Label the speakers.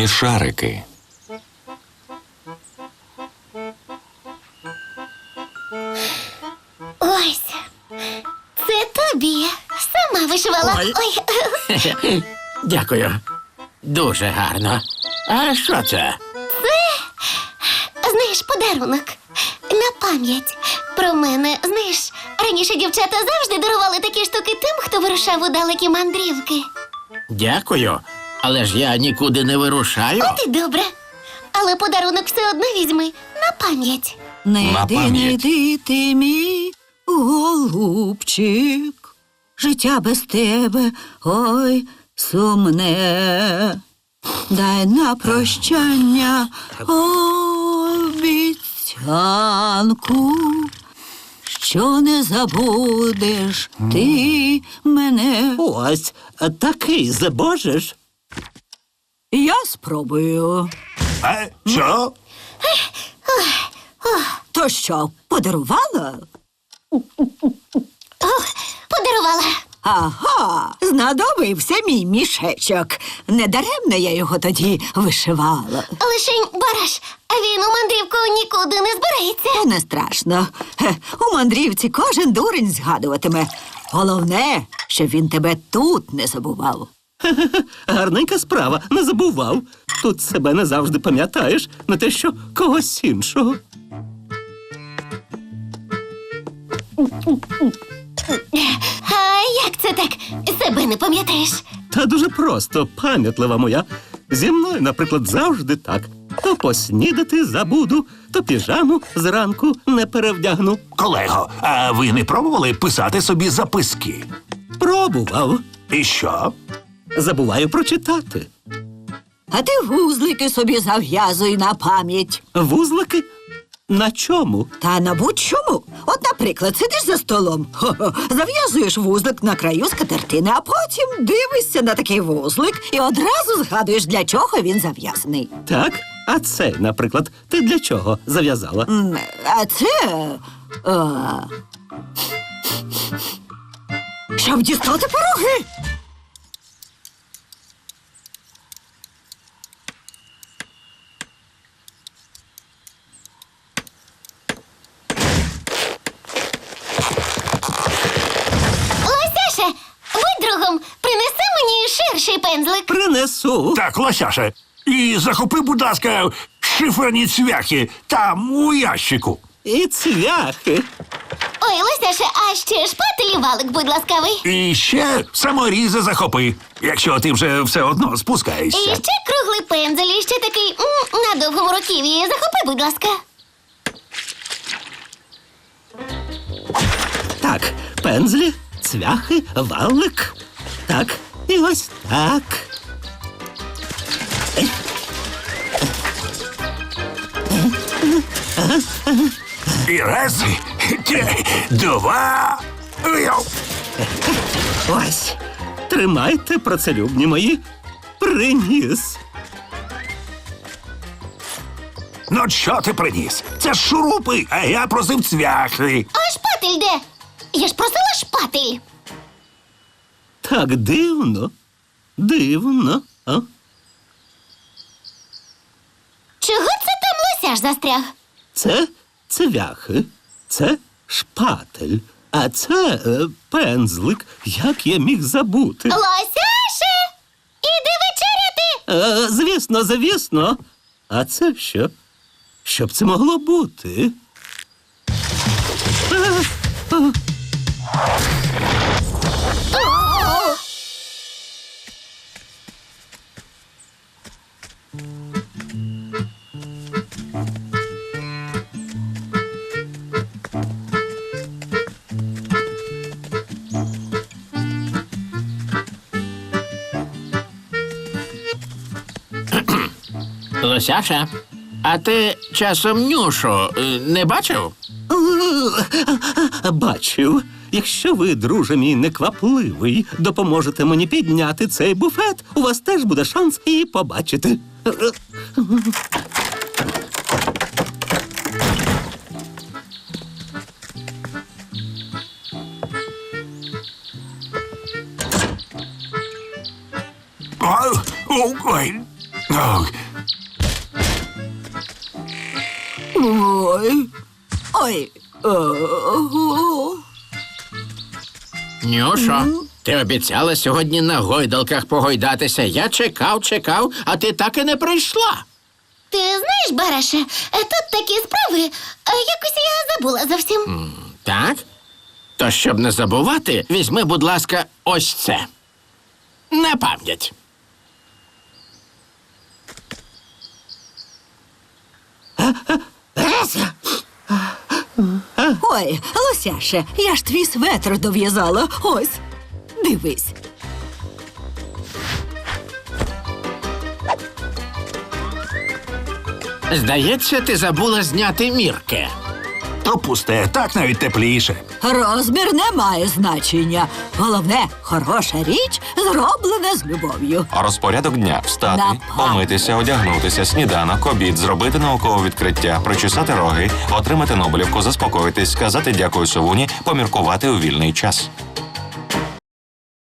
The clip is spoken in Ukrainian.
Speaker 1: розкладає шарики.
Speaker 2: Ось. Це тобі. Сама вишивала.
Speaker 3: Ой.
Speaker 2: Ой.
Speaker 3: Дякую. Дуже гарно. А що це?
Speaker 2: Знаєш, подарунок. На пам'ять. Про мене, знаєш, раніше дівчата завжди дарували такі штуки тим, хто вирушав у далекі мандрівки.
Speaker 3: Дякую. Але ж я нікуди не вирушаю.
Speaker 2: От і добре. Але подарунок все одно візьми. На пам'ять.
Speaker 1: На
Speaker 4: Не йди,
Speaker 1: пам'ять.
Speaker 4: не йди ти, мій голубчик. Життя без тебе, ой, сумне. Дай на прощання обіцянку, що не забудеш ти мене.
Speaker 5: Ось, такий забожеш.
Speaker 4: Я спробую.
Speaker 6: Що?
Speaker 4: То що, подарувала?
Speaker 2: Подарувала.
Speaker 4: Ага, знадобився мій мішечок. Недаремно я його тоді вишивала.
Speaker 2: Лишень Бараш, а він у мандрівку нікуди не збирається.
Speaker 4: Та не страшно. У мандрівці кожен дурень згадуватиме. Головне, щоб він тебе тут не забував.
Speaker 5: Гарненька справа, не забував. Тут себе не завжди пам'ятаєш, не те що когось іншого.
Speaker 2: А як це так? Себе не пам'ятаєш?
Speaker 5: Та дуже просто, пам'ятлива моя. Зі мною, наприклад, завжди так. То поснідати забуду, то піжаму зранку не перевдягну.
Speaker 6: Колего, а ви не пробували писати собі записки?
Speaker 5: Пробував.
Speaker 6: І що?
Speaker 5: Забуваю прочитати.
Speaker 4: А ти вузлики собі зав'язуй на пам'ять.
Speaker 5: Вузлики? На чому?
Speaker 4: Та на будь-чому. От, наприклад, сидиш за столом, зав'язуєш вузлик на краю скатертини, а потім дивишся на такий вузлик і одразу згадуєш, для чого він зав'язаний.
Speaker 5: Так? А цей, наприклад, ти для чого зав'язала?
Speaker 4: А це... щоб дістати пироги.
Speaker 2: Лосяше, будь другом, принеси мені ширший пензлик.
Speaker 5: Принесу.
Speaker 6: Так, Лосяше, і захопи, будь ласка, шиферні цвяхи там у ящику.
Speaker 5: І цвяхи.
Speaker 2: Ой, Лосяше, а ще шпатель і валик, будь ласкавий.
Speaker 6: І ще саморізи захопи, якщо ти вже все одно
Speaker 2: І
Speaker 6: спускаєшся.
Speaker 2: ще круглий пензель, і ще такий на довгому руків'ї. Захопи, будь ласка.
Speaker 5: Так, пензлі, цвяхи, валик. Так, і ось так.
Speaker 6: І раз, два.
Speaker 5: Ось. Тримайте, працелюбні мої. Приніс.
Speaker 6: Ну, що ти приніс? Це ж шурупи, а я просив цвяхи.
Speaker 2: А шпатель де? Я ж просила шпатель.
Speaker 5: Так дивно. Дивно. А?
Speaker 2: Чого це там Лосяш застряг?
Speaker 5: Це цвяхи, це шпатель, а це пензлик. Як я міг забути?
Speaker 2: Лосяше! Іди вечеряти!
Speaker 5: Звісно, звісно. А це що? Що б це могло бути?
Speaker 3: Лосяша, а ти часом Нюшу не бачив?
Speaker 5: Бачив. Якщо ви, друже мій неквапливий, допоможете мені підняти цей буфет, у вас теж буде шанс її побачити.
Speaker 6: Ой. Ох,
Speaker 4: Ой. Ой. О.
Speaker 3: Нюшо, ти обіцяла сьогодні на гойдалках погойдатися. Я чекав, а ти так і не прийшла.
Speaker 2: Ти знаєш, Бараше, тут такі справи, якось я забула зовсім.
Speaker 3: Так? То щоб не забувати, візьми, будь ласка, ось це. На пам'ять.
Speaker 4: Ой, Лосяше, я ж твій светр дов'язала. Ось, дивись.
Speaker 3: Здається, ти забула зняти мірки.
Speaker 6: то пусте, так навіть тепліше.
Speaker 4: Розмір не має значення. Головне, хороша річ зроблена з любов'ю.
Speaker 1: А розпорядок дня встати,
Speaker 4: Напад.
Speaker 1: помитися, одягнутися, сніданок, обід, зробити наукове відкриття, причесати роги, отримати Нобелівку, заспокоїтись, сказати дякую совуні, поміркувати у вільний час.